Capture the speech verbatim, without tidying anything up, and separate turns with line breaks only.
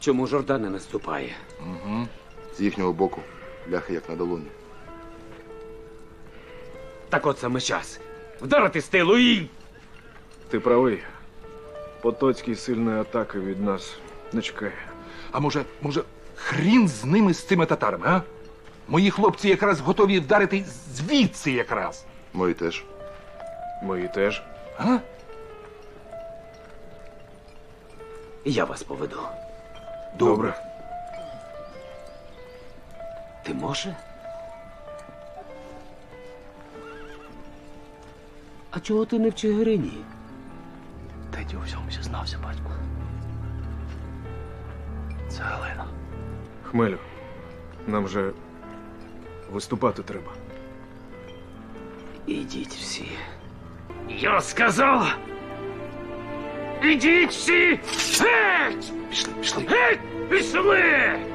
Чому Жордан не наступає?
Угу. З їхнього боку ляхи як на долоні.
Так от саме час. Вдарити з тилу і...
Ти правий. Потоцький сильної атаки від нас не чекає.
А може, може, хрін з ними, з цими татарами, а? Мої хлопці якраз готові вдарити звідси якраз.
Мої теж.
Мої теж.
А?
Я вас поведу.
Добре.
Ти може? А чого ти не в Чигирині?
Та й у всьому зізнався, батьку. Це Галина.
Хмелю, нам же виступати треба.
Ідіть всі. Я сказав! Ідіть всі! Геть!
Пішли, пішли.
Геть! Пішли!